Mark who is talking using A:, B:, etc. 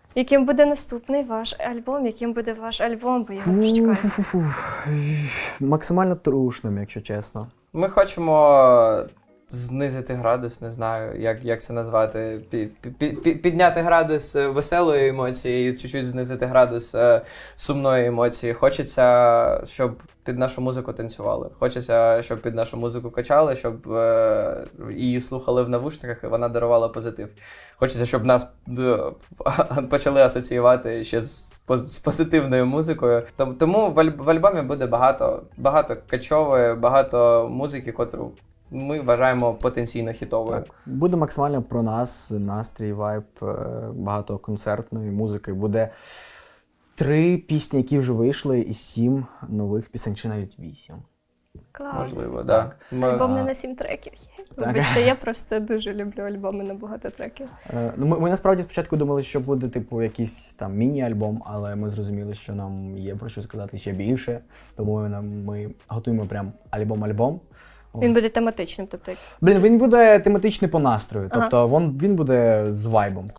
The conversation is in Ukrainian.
A: Яким буде наступний ваш альбом? Яким буде ваш альбом? Бо я його дуже чекаю.
B: Максимально трушним, якщо чесно.
C: Ми хочемо знизити градус, не знаю, як це назвати. Підняти градус веселої емоції і чуть-чуть знизити градус сумної емоції. Хочеться, щоб під нашу музику танцювали. Хочеться, щоб під нашу музику качали, щоб її слухали в навушниках і вона дарувала позитив. Хочеться, щоб нас почали асоціювати ще з позитивною музикою. Тому в альбомі буде багато качової, багато музики, котру ми вважаємо потенційно хітовою.
B: Так. Буде максимально про нас, настрій, вайб, багато концертної музики. Буде 3 пісні, які вже вийшли, і 7 нових пісень, чи навіть 8.
A: Клас.
C: Можливо, так.
A: Альбом не на 7 треків. Вибачте, я просто дуже люблю альбоми на багато треків.
B: Ми насправді спочатку думали, що буде типу якийсь там міні-альбом, але ми зрозуміли, що нам є про що сказати ще більше, тому ми готуємо прям альбом-альбом.
A: Він буде тематичним, тобто
B: Він буде тематичний по настрою, тобто він буде з вайбом.